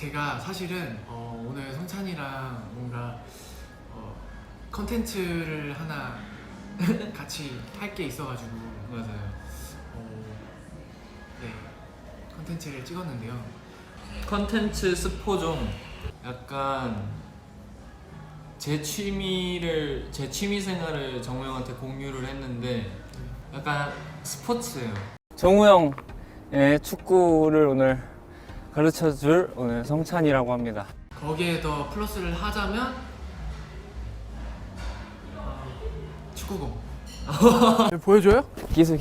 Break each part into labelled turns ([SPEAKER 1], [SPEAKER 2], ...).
[SPEAKER 1] 제가 사실은 오늘 성찬이랑 뭔가 컨텐츠를 하나 같이 할 게 있어가지고
[SPEAKER 2] 맞아요.
[SPEAKER 1] 네, 컨텐츠를 찍었는데요.
[SPEAKER 2] 컨텐츠 스포종 약간 제 취미 생활을 정우 형한테 공유를 했는데 약간 스포츠예요.
[SPEAKER 3] 정우 형의 축구를 오늘 가르쳐줄 오늘 성찬이라고 합니다.
[SPEAKER 1] 거기에 더 플러스를 하자면 축구공.
[SPEAKER 4] 보여줘요?
[SPEAKER 3] 기술.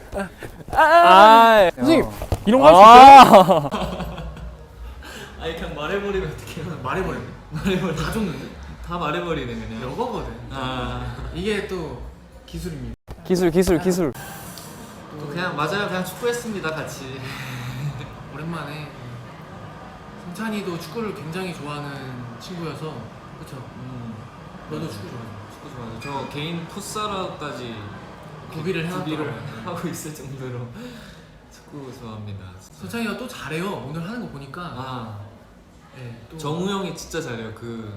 [SPEAKER 4] 선생님 이런 거 할 수 있어요?
[SPEAKER 2] 아니 그냥 말해버리면 어떡해요?
[SPEAKER 1] 말해버렸네. 다 줬는데?
[SPEAKER 2] 다 말해버리네 그냥.
[SPEAKER 1] 여거거든. 이게 또 기술입니다.
[SPEAKER 3] 기술.
[SPEAKER 2] 또 그냥 맞아요. 그냥 축구했습니다 같이.
[SPEAKER 1] 오랜만에 성찬이도 축구를 굉장히 좋아하는 친구여서 그렇죠. 너도 축구 좋아해.
[SPEAKER 2] 축구 좋아요. 저 개인 풋살까지
[SPEAKER 1] 구비를 해놨더라고요.
[SPEAKER 2] 하고 있을 정도로 축구 좋아합니다.
[SPEAKER 1] 성찬이가 또 잘해요. 오늘 하는 거 보니까. 네, 또
[SPEAKER 2] 정우 형이 진짜 잘해요.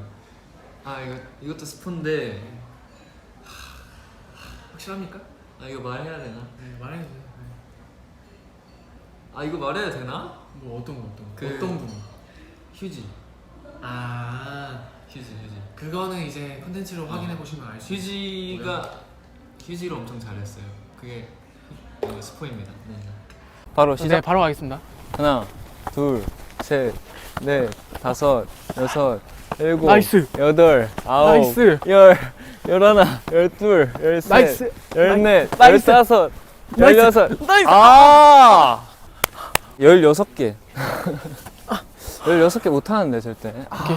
[SPEAKER 2] 이것도 스폰데
[SPEAKER 1] 확실합니까?
[SPEAKER 2] 이거 말해야 되나?
[SPEAKER 1] 네, 말해도 돼요.
[SPEAKER 2] 이거 말해야 되나?
[SPEAKER 1] 뭐 어떤 거?
[SPEAKER 2] 그-
[SPEAKER 1] 어떤 분?
[SPEAKER 2] 휴지. 휴지.
[SPEAKER 1] 그거는 이제 컨텐츠로 확인해 보시면 알 수 있어요.
[SPEAKER 2] 휴지를 엄청 잘했어요. 그게 스포입니다. 네.
[SPEAKER 3] 바로
[SPEAKER 4] 네,
[SPEAKER 3] 시작.
[SPEAKER 4] 바로 가겠습니다.
[SPEAKER 3] 하나, 둘, 셋, 넷, 다섯, 여섯, 일곱,
[SPEAKER 4] 나이스.
[SPEAKER 3] 여덟, 아홉,
[SPEAKER 4] 나이스.
[SPEAKER 3] 열, 열하나, 열둘, 열셋,
[SPEAKER 4] 나이스.
[SPEAKER 3] 열넷,
[SPEAKER 4] 나이스.
[SPEAKER 3] 열다섯,
[SPEAKER 4] 나이스.
[SPEAKER 3] 열여섯.
[SPEAKER 4] 나이스.
[SPEAKER 3] 16개. 16개 못하는데 절대.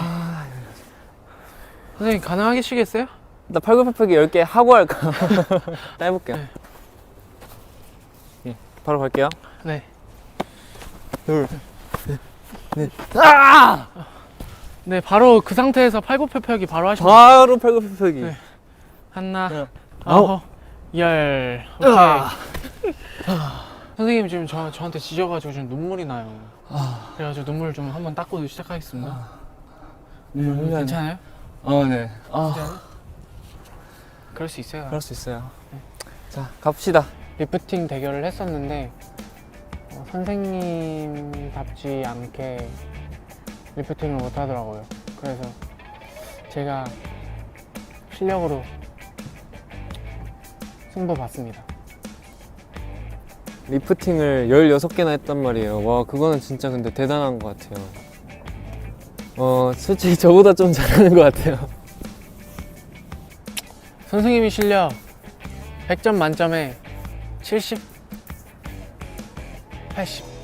[SPEAKER 4] 선생님 가능하시겠어요?
[SPEAKER 3] 나 팔굽혀펴기 10개 하고 할까? 해볼게요.
[SPEAKER 4] 네.
[SPEAKER 3] 예, 바로 갈게요.
[SPEAKER 4] 네.
[SPEAKER 3] 둘, 넷.
[SPEAKER 4] 네, 바로 그 상태에서 팔굽혀펴기 바로 하시면 돼요.
[SPEAKER 3] 바로 팔굽혀펴기.
[SPEAKER 4] 네. 하나,
[SPEAKER 3] 네.
[SPEAKER 4] 아홉, 열. 오케이. 선생님 지금 저한테 지져가지고 지금 눈물이 나요. 그래가지고 눈물 좀 한번 닦고 시작하겠습니다. 괜찮아요?
[SPEAKER 3] 네.
[SPEAKER 4] 그럴 수 있어요.
[SPEAKER 3] 그럴 수 있어요. 자, 갑시다.
[SPEAKER 4] 리프팅 대결을 했었는데 선생님답지 않게 리프팅을 못 하더라고요. 그래서 제가 실력으로 승부 봤습니다.
[SPEAKER 3] 리프팅을 16개나 했단 말이에요. 와, 그거는 진짜 근데 대단한 것 같아요. 솔직히 저보다 좀 잘하는 것 같아요.
[SPEAKER 4] 선생님이 실력 100점 만점에 70, 80.